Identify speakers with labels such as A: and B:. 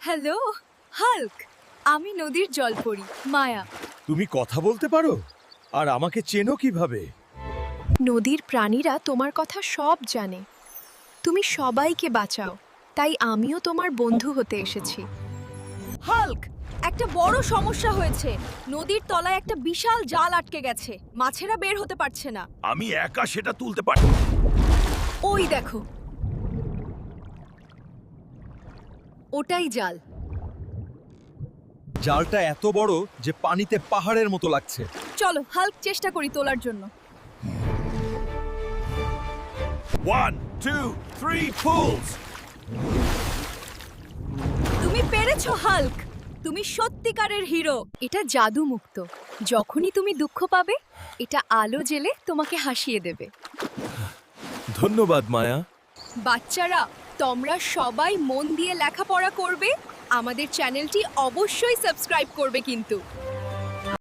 A: Hello Hulk, আমি নদীর জলপরি মায়া।
B: তুমি কথা বলতে পারো? আর আমাকে চেনো কিভাবে?
A: নদীর প্রাণীরা তোমার কথা সব জানে। তুমি সবাইকে বাঁচাও, তাই আমিও তোমার বন্ধু হতে এসেছি। হাল্ক, একটা বড় সমস্যা হয়েছে। নদীর তলায় একটা বিশাল জাল আটকে গেছে, মাছেরা বের হতে পারছে না।
B: আমি একা সেটা তুলতে পারি।
A: ওই দেখো, ওটাই জাল।
B: জালটা এত বড় যে পানিতে পাহাড়ের মতো লাগছে।
A: চলো হাল্ক, চেষ্টা করি তোলার জন্য।
B: 1 2 3 pulls!
A: তুমি পেরেছো হাল্ক, তুমি সত্যিকারের হিরো। এটা জাদু মুক্ত। যখনই তুমি দুঃখ পাবে, এটা আলো জেলে তোমাকে হাসিয়ে দেবে।
B: ধন্যবাদ মায়া।
A: বাচ্চারা, তোমরা সবাই মন দিয়ে লেখাপড়া করবে। আমাদের চ্যানেলটি অবশ্যই সাবস্ক্রাইব করবে কিন্তু।